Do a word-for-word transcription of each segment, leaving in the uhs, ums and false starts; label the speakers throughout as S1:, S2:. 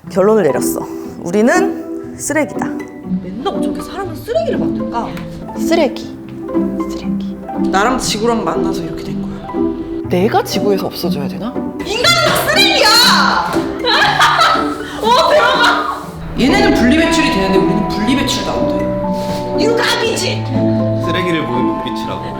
S1: 결론을 내렸어. 우리는 쓰레기다.
S2: 맨날 어떻게 사람은 쓰레기를 만들까?
S3: 쓰레기. 쓰레기.
S2: 나랑 지구랑 만나서 이렇게 된 거야.
S3: 내가 지구에서 없어져야 되나?
S2: 인간은 다 쓰레기야! 어, 대박! 얘네는 분리배출이 되는데 우리는 분리배출도 안 돼. 유감이지!
S4: 쓰레기를 보는 눈빛이라고.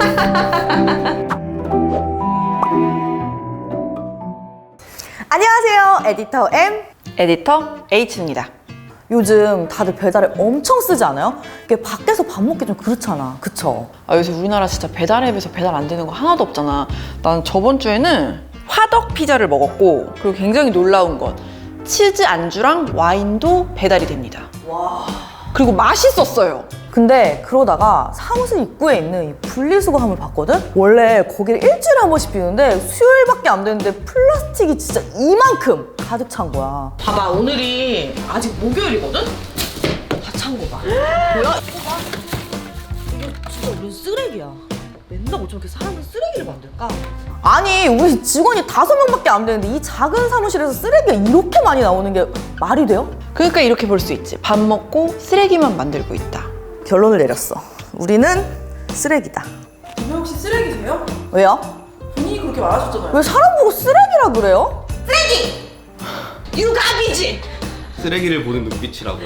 S1: 안녕하세요. 에디터 M.
S3: 에디터 H입니다.
S1: 요즘 다들 배달을 엄청 쓰지 않아요? 이게 밖에서 밥 먹기 좀 그렇잖아. 그쵸?
S3: 아, 요새 우리나라 진짜 배달 앱에서 배달 안 되는 거 하나도 없잖아. 난 저번 주에는 화덕 피자를 먹었고, 그리고 굉장히 놀라운 건 치즈 안주랑 와인도 배달이 됩니다.
S1: 와.
S3: 그리고 맛있었어요.
S1: 근데 그러다가 사무실 입구에 있는 이 분리수거함을 봤거든? 원래 거기를 일주일에 한 번씩 비우는데 수요일밖에 안 되는데 플라스틱이 진짜 이만큼 가득 찬 거야.
S2: 봐봐, 오늘이 아직 목요일이거든? 다 찬 거 봐. 뭐야? 이거 봐. 이게 진짜 우린 쓰레기야. 맨날 어떻게 사람은 쓰레기를 만들까?
S1: 아니, 우리 직원이 다섯 명밖에 안 되는데 이 작은 사무실에서 쓰레기가 이렇게 많이 나오는 게 말이 돼요?
S3: 그러니까 이렇게 볼 수 있지. 밥 먹고 쓰레기만 만들고 있다.
S1: 결론을 내렸어. 우리는 쓰레기다.
S2: 분명 혹시 쓰레기세요?
S1: 왜요?
S2: 본인이 그렇게 말하셨잖아요.
S1: 왜 사람 보고 쓰레기라 그래요?
S2: 쓰레기! 유감이지!
S4: 쓰레기를 보는 눈빛이라고.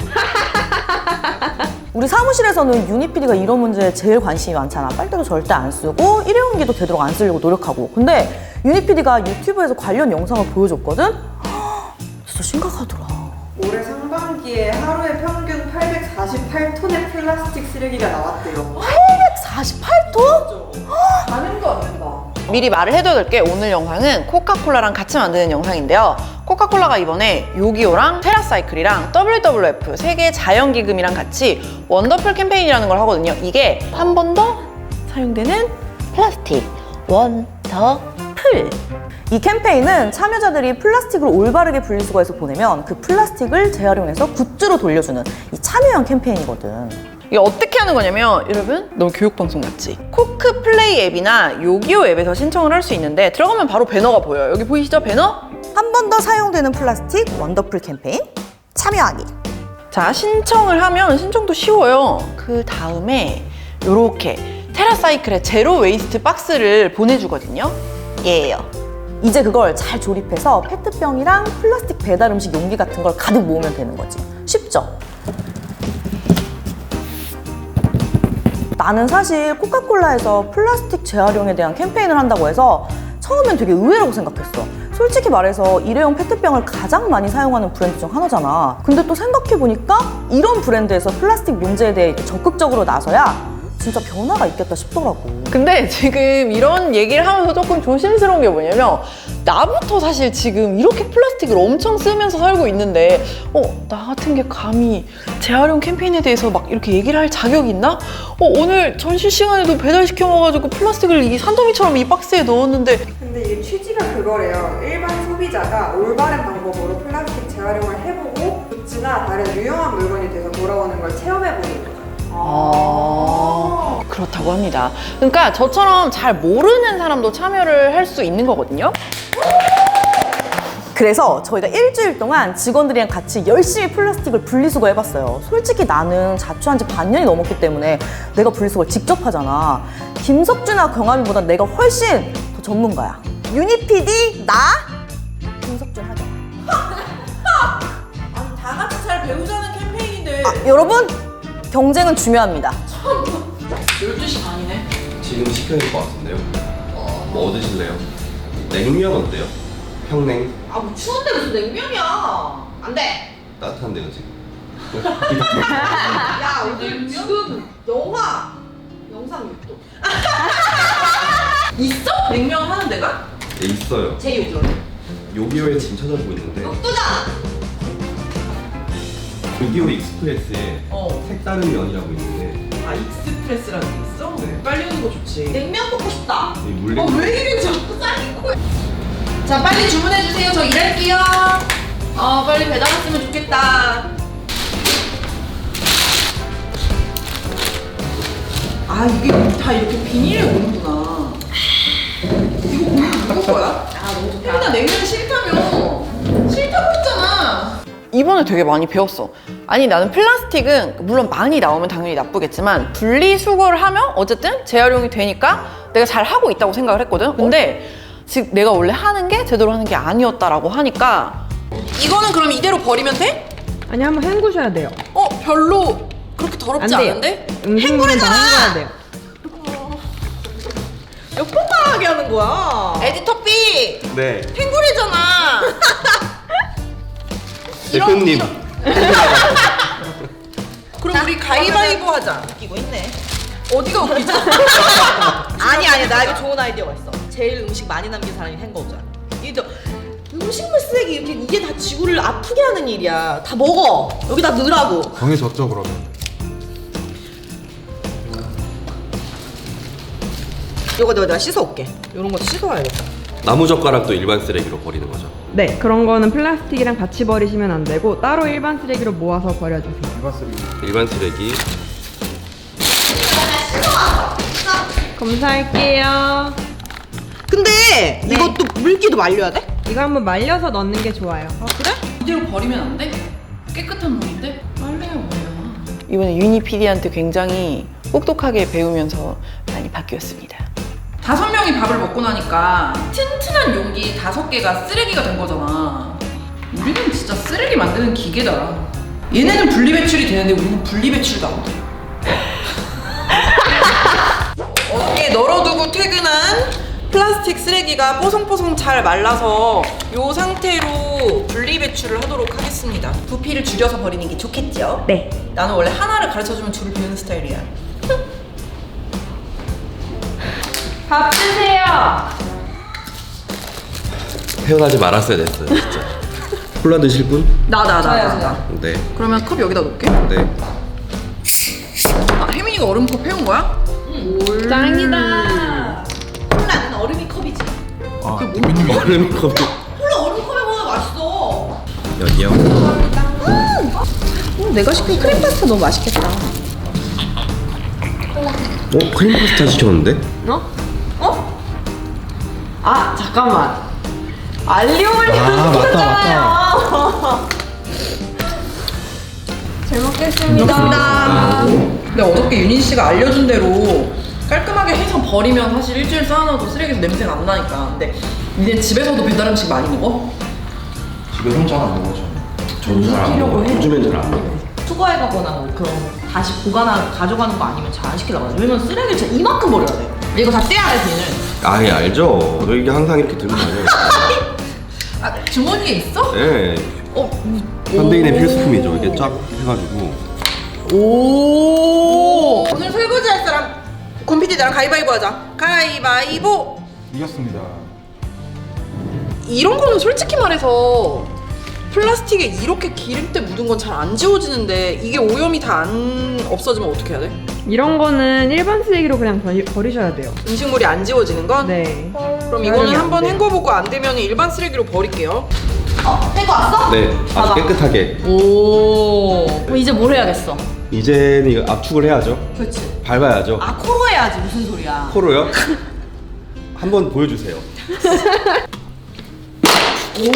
S1: 우리 사무실에서는 유니 피디가 이런 문제에 제일 관심이 많잖아. 빨대도 절대 안 쓰고 일회용기도 되도록 안 쓰려고 노력하고. 근데 유니 피디가 유튜브에서 관련 영상을 보여줬거든? 헉, 진짜 심각하더라.
S5: 올해 상반기에 하루에 평균 팔백사십팔 톤의 플라스틱 쓰레기가 나왔대요.
S1: 사십팔 톤?
S5: 가늠도 안 된다.
S3: 미리 말을 해둬야 될 게, 오늘 영상은 코카콜라랑 같이 만드는 영상인데요. 코카콜라가 이번에 요기요랑 테라사이클이랑 더블유더블유에프 세계 자연기금이랑 같이 원더풀 캠페인이라는 걸 하거든요. 이게 한 번 더 사용되는 플라스틱 원더풀.
S1: 이 캠페인은 참여자들이 플라스틱을 올바르게 분리수거해서 보내면 그 플라스틱을 재활용해서 굿즈로 돌려주는 이 참여형 캠페인이거든.
S3: 이게 어떻게 하는 거냐면, 여러분 너무 교육방송 같지? 코크 플레이 앱이나 요기요 앱에서 신청을 할 수 있는데, 들어가면 바로 배너가 보여요. 여기 보이시죠? 배너?
S1: 한 번 더 사용되는 플라스틱 원더풀 캠페인 참여하기.
S3: 자, 신청을 하면 신청도 쉬워요. 그 다음에 요렇게 테라사이클의 제로 웨이스트 박스를 보내주거든요. 예요.
S1: 이제 그걸 잘 조립해서 페트병이랑 플라스틱 배달 음식 용기 같은 걸 가득 모으면 되는 거지. 쉽죠? 나는 사실 코카콜라에서 플라스틱 재활용에 대한 캠페인을 한다고 해서 처음엔 되게 의외라고 생각했어. 솔직히 말해서 일회용 페트병을 가장 많이 사용하는 브랜드 중 하나잖아. 근데 또 생각해보니까 이런 브랜드에서 플라스틱 문제에 대해 적극적으로 나서야 진짜 변화가 있겠다 싶더라고.
S3: 근데 지금 이런 얘기를 하면서 조금 조심스러운 게 뭐냐면, 나부터 사실 지금 이렇게 플라스틱을 엄청 쓰면서 살고 있는데, 어, 나 같은 게 감히 재활용 캠페인에 대해서 막 이렇게 얘기를 할 자격이 있나? 어, 오늘 점심시간에도 배달시켜 먹어가지고 플라스틱을 이 산더미처럼 이 박스에 넣었는데.
S5: 근데 이게 취지가 그거래요. 일반 소비자가 올바른 방법으로 플라스틱 재활용을 해보고 굿즈나 다른 유용한 물건이 돼서 돌아오는 걸 체험해보는 거죠.
S3: 아, 그렇다고 합니다. 그러니까 저처럼 잘 모르는 사람도 참여를 할 수 있는 거거든요.
S1: 그래서 저희가 일주일 동안 직원들이랑 같이 열심히 플라스틱을 분리수거 해봤어요. 솔직히 나는 자취한 지 반년이 넘었기 때문에 내가 분리수거를 직접 하잖아. 김석준이나 경아미보다 내가 훨씬 더 전문가야. 유니 피디, 나, 김석준 하자.
S2: 아니, 다 같이 잘 배우자는 캠페인인데.
S1: 아, 여러분, 경쟁은 중요합니다.
S2: 열두 시 반이네.
S4: 지금 시켜야 될 것 같은데요. 뭐 드실래요? 냉면 어때요? 평냉?
S2: 아, 뭐 추운데 무슨 냉면이야. 안 돼.
S4: 따뜻한데요 지금.
S2: 야, 오늘 지금 영하 영상 육 도. 있어? 냉면 하는 데가?
S4: 네, 있어요.
S2: 제이 오.
S4: 요기요에 지금 찾아보고 있는데,
S2: 또잖아.
S4: 요기요 익스프레스에
S2: 어.
S4: 색다른 면이라고 있는데,
S2: 아, 익스프레스라는 게 있어?
S4: 네.
S2: 빨리 오는 거 좋지. 냉면 먹고 싶다.
S4: 이 물냉.
S2: 어, 왜 이래 자꾸 쌓인 거야? 자, 빨리 주문해 주세요. 저 일할게요. 어, 빨리 배달 왔으면 좋겠다. 아, 이게 다 이렇게 비닐에 오는구나. 이거 누구 거야? 아, 너무 좋다. 혜민아, 냉면 싫다며. 싫다고 했잖아.
S3: 이번에 되게 많이 배웠어. 아니 나는 플라스틱은 물론 많이 나오면 당연히 나쁘겠지만 분리수거를 하면 어쨌든 재활용이 되니까 내가 잘 하고 있다고 생각을 했거든. 근데 지금 내가 원래 하는 게 제대로 하는 게 아니었다라고 하니까 이거는 그럼 이대로 버리면 돼?
S5: 아니 한번 헹구셔야 돼요.
S3: 어 별로 그렇게 더럽지
S5: 안 돼요.
S3: 않은데?
S5: 음식물은 다 헹궈야 돼요.
S2: 몇 번 말하게 하는 거야?
S3: 에디터 B
S4: 네.
S3: 탱구리잖아.
S4: 대표님.
S3: 그럼 우리 가위바위보 하자.
S2: 웃기고 있네.
S3: 어디가 웃기지?
S2: 아니 아니 나 이거 좋은 아이디어가 있어. 제일 음식 많이 남긴 사람이 헹궈오자. 이게 음식물 쓰레기 이렇게 이게 다 지구를 아프게 하는 일이야. 다 먹어. 여기다 넣으라고.
S6: 정해졌죠 그러면.
S2: 이거 내가 내가 씻어올게. 이런 것도 씻어와야겠다.
S4: 나무젓가락도 일반 쓰레기로 버리는 거죠.
S5: 네, 그런 거는 플라스틱이랑 같이 버리시면 안 되고 따로 일반 쓰레기로 모아서 버려주세요.
S6: 일반 쓰레기.
S4: 일반 쓰레기.
S5: 검사할게요.
S2: 근데
S5: 네.
S2: 이것도 물기도 말려야 돼?
S5: 이거 한번 말려서 넣는 게 좋아요.
S2: 아 그래?
S3: 이대로 버리면 안 돼? 깨끗한 물인데? 빨래야 뭐야. 이번에 유니 피디한테 굉장히 똑똑하게 배우면서 많이 바뀌었습니다. 다섯 명이 밥을 먹고 나니까 튼튼한 용기 다섯 개가 쓰레기가 된 거잖아. 우리는 진짜 쓰레기 만드는 기계다. 얘네는 분리배출이 되는데 우리는 분리배출도 안 돼. 어깨에 널어두고 퇴근한 플라스틱 쓰레기가 뽀송뽀송 잘 말라서 이 상태로 분리배출을 하도록 하겠습니다. 부피를 줄여서 버리는 게 좋겠죠?
S5: 네.
S3: 나는 원래 하나를 가르쳐주면 줄을 비우는 스타일이야. 밥 드세요.
S4: 태어나지 말았어야 됐어요, 진짜. 콜라 드실 분?
S3: 나 나 나 나.
S4: 네.
S3: 그러면 컵 여기다 놓을게.
S4: 네.
S3: 아, 혜민이가 얼음컵 해온 거야?
S5: 짱이다.
S2: 콜라는 얼음이 컵이지.
S6: 아 대표님이
S4: 얼음 컵.
S2: 콜라 얼음컵에 먹으면 맛있어.
S4: 여기요.
S2: 어, 내가 시킨 크림 파스타 너무 맛있겠다.
S4: 어? 크림 파스타 시켰는데?
S2: 어? 어?
S3: 아 잠깐만. 알리오올리오
S6: 아 맞다 맞다.
S5: 잘 먹겠습니다.
S3: 감사합니다. 근데 어저께 윤인 씨가 알려준 대로 깔끔하게 해서 버리면 사실 일주일 쌓아놔도 쓰레기에서 냄새가 안 나니까. 근데 니네 집에서도 배달 음식 많이 먹어?
S6: 집에서 잘 안 먹어 저는.
S4: 저는 잘안 먹어요. 요즘엔 잘 안 먹어요.
S2: 투과해가거나 뭐 그런 다시 보관하 가져가는 거 아니면 잘 안 시키려고 하지. 왜냐면 쓰레기를 진짜 이만큼 버려야 돼. 이거 다 떼야 돼 비는.
S4: 아예 알죠. 너 이게 항상 이렇게 들고 다녀요.
S3: 아 주머니에 있어?
S4: 네.
S3: 어.
S4: 현대인의 필수품이죠. 이게 쫙 해가지고.
S3: 오. 오늘 설거지 할 사람 권 피디 나랑 가위바위보 하자. 가위바위보.
S6: 이겼습니다.
S3: 이런 거는 솔직히 말해서 플라스틱에 이렇게 기름때 묻은 건 잘 안 지워지는데 이게 오염이 다 안 없어지면 어떻게 해야 돼?
S5: 이런 거는 일반 쓰레기로 그냥 버리, 버리셔야 돼요.
S3: 음식물이 안 지워지는 건?
S5: 네.
S3: 그럼 이거는
S5: 안
S3: 한번
S5: 돼요.
S3: 헹궈보고 안 되면 일반 쓰레기로 버릴게요.
S2: 어, 떼고 왔어?
S4: 네. 아주
S2: 봐봐.
S4: 깨끗하게.
S2: 오. 그럼 이제 뭘 해야겠어?
S4: 이제는 이거 압축을 해야죠.
S2: 그렇지.
S4: 밟아야죠.
S2: 아 코로 해야지 무슨 소리야?
S4: 코로요? 한번 보여주세요.
S5: 오.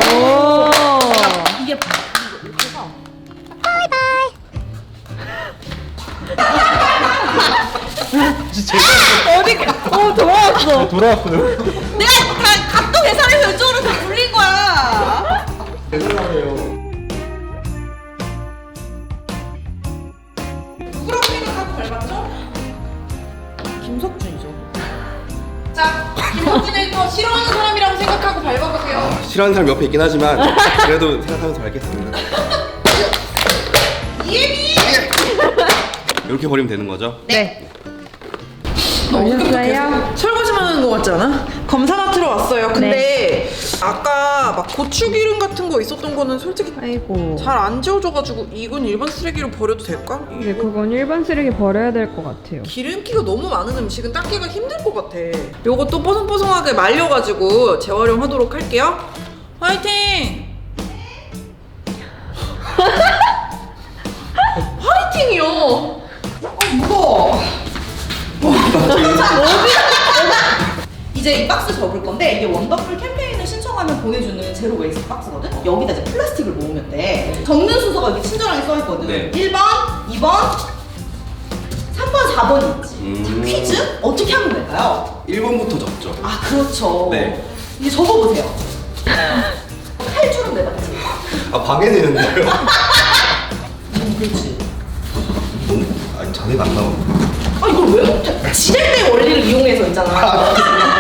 S2: 이게
S5: 어, 돌아왔어.
S6: 돌아왔어요.
S2: 내가 다 각도 계산해서 이쪽으로 다 굴린 거야.
S3: 누구라고 생각하고 밟았죠?
S2: 김석준이죠.
S3: 자, 김석준 에디터 싫어하는 사람이라고 생각하고 밟아보세요.
S4: 싫어하는 사람 옆에 있긴 하지만 그래도 생각하면서 밟겠습니다.
S3: 이해미!
S4: 이렇게 버리면 되는 거죠?
S5: 네.
S3: 어떡해요? 설거지만 하는 거 같지 않아? 검사 맡으러 왔어요. 근데 아까 막 고추기름 같은 거 있었던 거는 솔직히
S5: 아이고.
S3: 잘 안 지워져가지고 이건 일반 쓰레기로 버려도 될까?
S5: 네, 그건 일반 쓰레기 버려야 될 것 같아요.
S3: 기름기가 너무 많은 음식은 닦기가 힘들 것 같아. 요것도 뽀송뽀송하게 말려가지고 재활용하도록 할게요. 화이팅! 화이팅이요! 아 무거워.
S2: 이제 이 박스 접을 건데 이게 원더풀 캠페인을 신청하면 보내주는 제로 웨이스트 박스거든? 여기다 이제 플라스틱을 모으면 돼. 적는 순서가 이렇게 친절하게 써있거든.
S4: 네.
S2: 일 번, 이 번, 삼 번, 사 번이 있지.
S4: 음.
S2: 자, 퀴즈? 어떻게 하면 될까요?
S4: 일 번부터 적죠.
S2: 아, 그렇죠.
S4: 네.
S2: 이제 적어보세요. 칼줄은 내봤지.
S4: 아, 방해되는데요?
S2: 음, 그렇지.
S4: 너무, 아니, 자세가 안 나오네.
S2: 아, 이걸 왜 못해? 지렛대 원리를 이용해서 있잖아.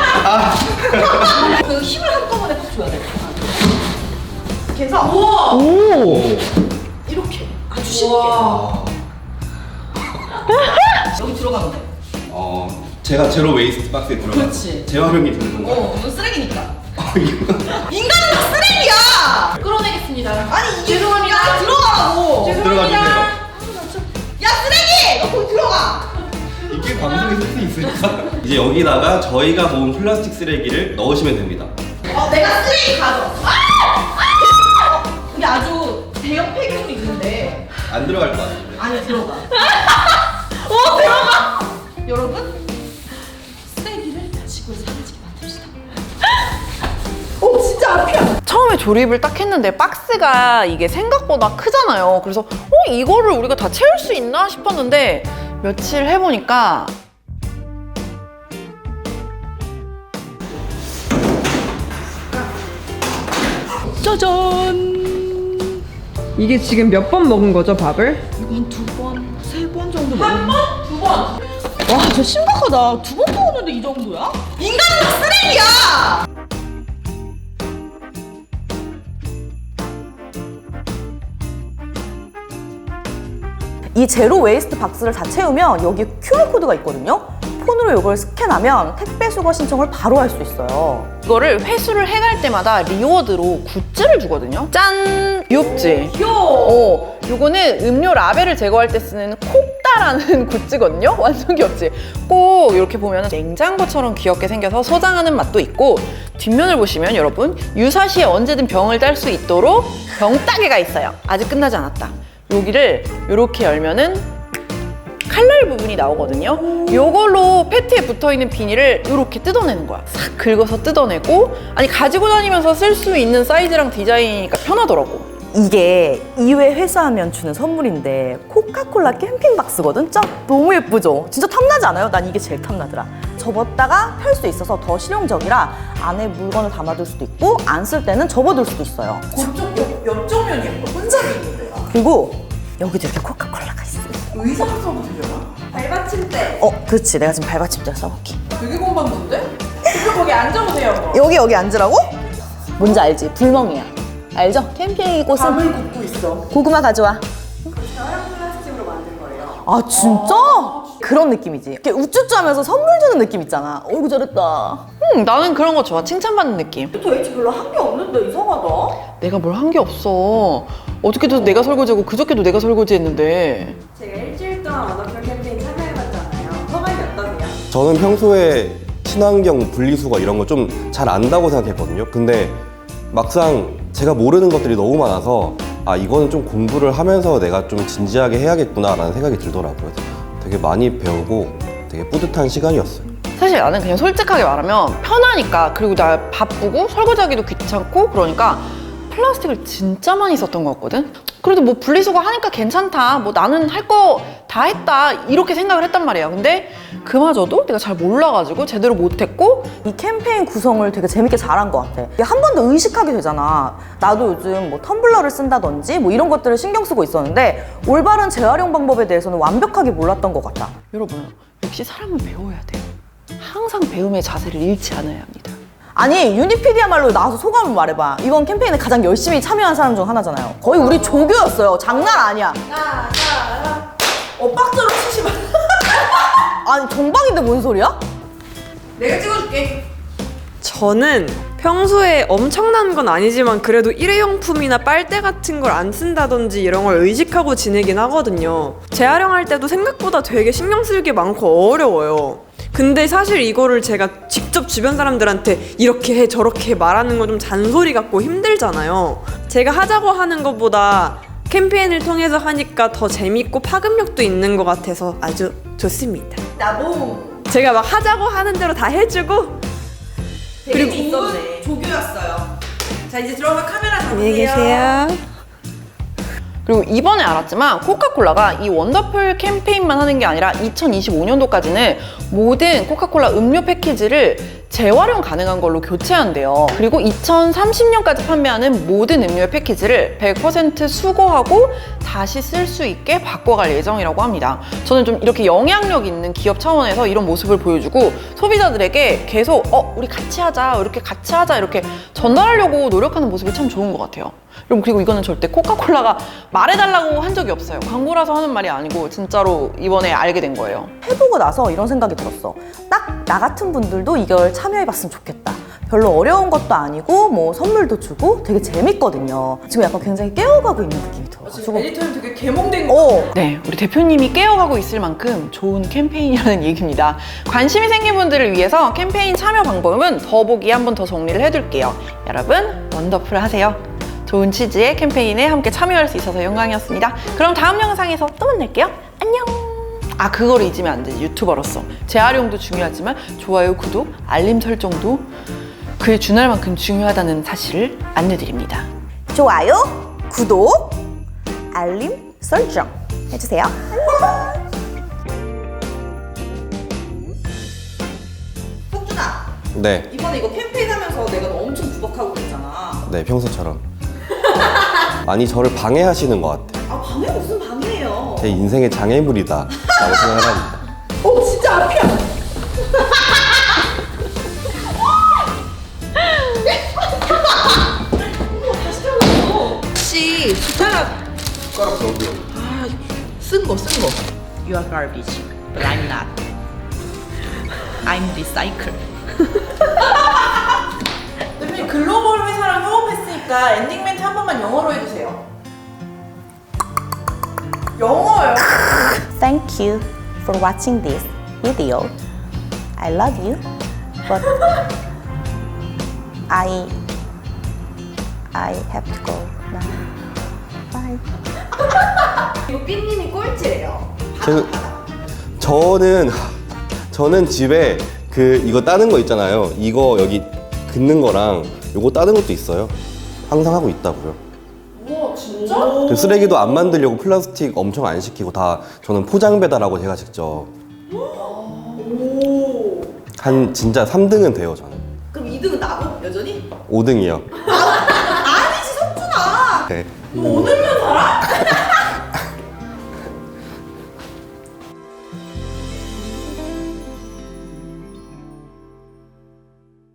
S2: 그 힘을 한꺼번에 팍 줘야 돼. 그래서 우와!
S3: 오.
S2: 이렇게 아주 쉽게 여기 들어가면 돼.
S4: 어, 제가 제로 웨이스트 박스에 들어가서
S2: 그렇지.
S4: 재활용이 되는 건가요?
S2: 어, 이건 쓰레기니까.
S4: 아, 이거.
S2: 인간은 다 쓰레기야!
S3: 끌어내겠습니다.
S2: 아니, 이게 죄송합니다. 들어가라고!
S4: 들어가 주세요.
S2: 야, 쓰레기! 너 거기 들어가!
S4: 이게 방송에 쓸 수 있으니까. 이제 여기다가 저희가 모은 플라스틱 쓰레기를 넣으시면 됩니다.
S2: 어, 내가 쓰레기 가져왔어. 아! 아! 여기 아주 대형 폐기물이 있는데.
S4: 안 들어갈 것 같은데.
S2: 안에 들어가. 어, 들어가! 여러분, 쓰레기를 지구에 사라지게 만듭시다. 오, 진짜 앞이야.
S3: 처음에 조립을 딱 했는데 박스가 이게 생각보다 크잖아요. 그래서 어 이거를 우리가 다 채울 수 있나 싶었는데 며칠 해보니까 짜잔!
S5: 이게 지금 몇 번 먹은 거죠, 밥을?
S2: 이거 한 두 번, 세 번 정도 먹었 한 번? 두 번? 와, 진짜 심각하다. 두 번 먹었는데 이 정도야? 인간은 다 쓰레기야!
S1: 이 제로 웨이스트 박스를 다 채우면 여기 큐알코드가 있거든요. 폰으로 이걸 스캔하면 택배 수거 신청을 바로 할 수 있어요.
S3: 이거를 회수를 해갈 때마다 리워드로 굿즈를 주거든요. 짠! 귀엽지?
S2: 귀여워.
S3: 어, 요거는 음료 라벨을 제거할 때 쓰는 콕다라는 굿즈거든요. 완전 귀엽지? 꼭 이렇게 보면 냉장고처럼 귀엽게 생겨서 소장하는 맛도 있고 뒷면을 보시면 여러분 유사시에 언제든 병을 딸 수 있도록 병따개가 있어요. 아직 끝나지 않았다. 여기를 이렇게 열면은 칼날 부분이 나오거든요. 요걸로 페트에 붙어있는 비닐을 이렇게 뜯어내는 거야. 싹 긁어서 뜯어내고 아니 가지고 다니면서 쓸 수 있는 사이즈랑 디자인이니까 편하더라고.
S1: 이게 이 회 회수하면 주는 선물인데 코카콜라 캠핑 박스거든? 짜 너무 예쁘죠? 진짜 탐나지 않아요? 난 이게 제일 탐나더라. 접었다가 펼 수 있어서 더 실용적이라 안에 물건을 담아둘 수도 있고 안 쓸 때는 접어둘 수도 있어요.
S2: 그쪽 옆, 옆쪽 면이 예뻐. 혼잡이 있는데요.
S1: 그리고 여기도 이렇게 코카콜라가 있어.
S2: 의자로 써도 되려나?
S5: 발받침대.
S1: 어, 그렇지. 내가 지금 발받침대 써볼게.
S2: 되게 건방진데? 그쪽 거기 앉아보세요.
S1: 여기 여기 앉으라고? 뭔지 알지? 불멍이야. 알죠? 캠핑 꽃은
S2: 밥을 굽고 있어.
S1: 고구마 가져와.
S5: 재활용 플라스틱으로 만든 거예요.
S1: 아 진짜? 그런 느낌이지. 이렇게 우쭈쭈하면서 선물 주는 느낌 있잖아. 어이구 잘했다.
S3: 음, 나는 그런 거 좋아. 칭찬받는 느낌.
S2: 저 H 별로 한 게 없는데 이상하다.
S3: 내가 뭘 한 게 없어. 어저께도 내가 설거지하고 그저께도 내가 설거지했는데.
S5: 제가 일주일 동안 워너풀 캠페인 참여해봤잖아요. 소감이 어떠세요?
S4: 저는 평소에 친환경 분리수거 이런 거 좀 잘 안다고 생각했거든요. 근데 막상 제가 모르는 것들이 너무 많아서 아 이거는 좀 공부를 하면서 내가 좀 진지하게 해야겠구나라는 생각이 들더라고요. 되게 많이 배우고 되게 뿌듯한 시간이었어요.
S3: 사실 나는 그냥 솔직하게 말하면 편하니까 그리고 나 바쁘고 설거지하기도 귀찮고 그러니까 플라스틱을 진짜 많이 썼던 것 같거든? 그래도 뭐 분리수거 하니까 괜찮다. 뭐 나는 할 거 다 했다. 이렇게 생각을 했단 말이야. 근데 그마저도 내가 잘 몰라가지고 제대로 못했고
S1: 이 캠페인 구성을 되게 재밌게 잘한 것 같아. 이게 한 번 더 의식하게 되잖아. 나도 요즘 뭐 텀블러를 쓴다든지 뭐 이런 것들을 신경 쓰고 있었는데 올바른 재활용 방법에 대해서는 완벽하게 몰랐던 것 같아.
S3: 여러분 역시 사람은 배워야 돼요. 항상 배움의 자세를 잃지 않아야 합니다.
S1: 아니 유니피디야말로 나와서 소감을 말해봐. 이번 캠페인에 가장 열심히 참여한 사람 중 하나잖아요. 거의 우리 조교였어요. 장난 아니야.
S2: 어, 빡저로 치지 마.
S1: 아니 정방인데 뭔 소리야?
S2: 내가 찍어줄게.
S5: 저는 평소에 엄청난 건 아니지만 그래도 일회용품이나 빨대 같은 걸 안 쓴다든지 이런 걸 의식하고 지내긴 하거든요. 재활용할 때도 생각보다 되게 신경 쓸 게 많고 어려워요. 근데 사실 이거를 제가 직접 주변 사람들한테 이렇게 해 저렇게 해 말하는 건 좀 잔소리 같고 힘들잖아요. 제가 하자고 하는 것보다 캠페인을 통해서 하니까 더 재밌고 파급력도 있는 것 같아서 아주 좋습니다.
S2: 나도
S5: 제가 막 하자고 하는 대로 다 해주고
S2: 되게 좋은 조교였어요. 자, 이제 들어가 카메라 잡으세요.
S5: 안녕히 계세요.
S3: 그리고 이번에 알았지만 코카콜라가 이 원더풀 캠페인만 하는 게 아니라 이천이십오 년도까지는 모든 코카콜라 음료 패키지를 재활용 가능한 걸로 교체한대요. 그리고 이천삼십 년까지 판매하는 모든 음료의 패키지를 백 퍼센트 수거하고 다시 쓸 수 있게 바꿔갈 예정이라고 합니다. 저는 좀 이렇게 영향력 있는 기업 차원에서 이런 모습을 보여주고 소비자들에게 계속 어 우리 같이 하자 이렇게 같이 하자 이렇게 전달하려고 노력하는 모습이 참 좋은 것 같아요. 여러분 그리고 이거는 절대 코카콜라가 말해달라고 한 적이 없어요. 광고라서 하는 말이 아니고 진짜로 이번에 알게 된 거예요.
S1: 해보고 나서 이런 생각이 들었어. 딱 나 같은 분들도 이걸 참여해봤으면 좋겠다. 별로 어려운 것도 아니고 뭐 선물도 주고 되게 재밌거든요. 지금 약간 굉장히 깨어가고 있는 느낌이 들어가지고.
S2: 에디터는 되게 개몽된
S1: 어,
S3: 네, 우리 대표님이 깨어가고 있을 만큼 좋은 캠페인이라는 얘기입니다. 관심이 생긴 분들을 위해서 캠페인 참여 방법은 더보기에 한 번 더 정리를 해둘게요. 여러분, 원더풀 하세요. 좋은 취지의 캠페인에 함께 참여할 수 있어서 영광이었습니다. 그럼 다음 영상에서 또 만날게요. 안녕! 아, 그거를 잊으면 안 되지, 유튜버로서. 재활용도 중요하지만 좋아요, 구독, 알림 설정도 그에 준할 만큼 중요하다는 사실을 안내드립니다.
S1: 좋아요, 구독, 알림 설정 해주세요.
S2: 석준아,
S4: 네,
S2: 이번에 이거 캠페인 하면서 내가 너 엄청 구박하고 그랬잖아.
S4: 네 평소처럼. 많이 저를 방해하시는 것 같아요.
S2: 아, 방해 무슨 방해예요?
S4: 제 인생의 장애물이다 라고 생각을 합니다.
S2: 어, 진짜 앞이야. 혹시 숟가락
S6: 숟가락 넣어줘요.
S2: 쓴 거, 쓴 거. You are garbage, but I'm not. I'm recycle. 대표님 글로벌 회사랑 협업했으니까 엔딩 멘트 한 번만 영어로 해주세요. 영어요.
S1: Thank you for watching this video. I love you, but I I have to go now. Bye.
S2: 이거 삐님이 꼴찌예요.
S4: 그, 저는 저는 집에 그 이거 따는 거 있잖아요. 이거 여기 긋는 거랑 요거 따는 것도 있어요. 항상 하고 있다고요.
S2: 우와, 진짜?
S4: 그 쓰레기도 안 만들려고 플라스틱 엄청 안 시키고 다 저는 포장 배달하고 제가 직접 한 진짜 삼 등은 돼요 저는.
S2: 그럼 이 등은 나고 여전히?
S4: 오 등이요.
S2: 아니지 석준아.
S4: 네.
S2: 너 오늘만 살아?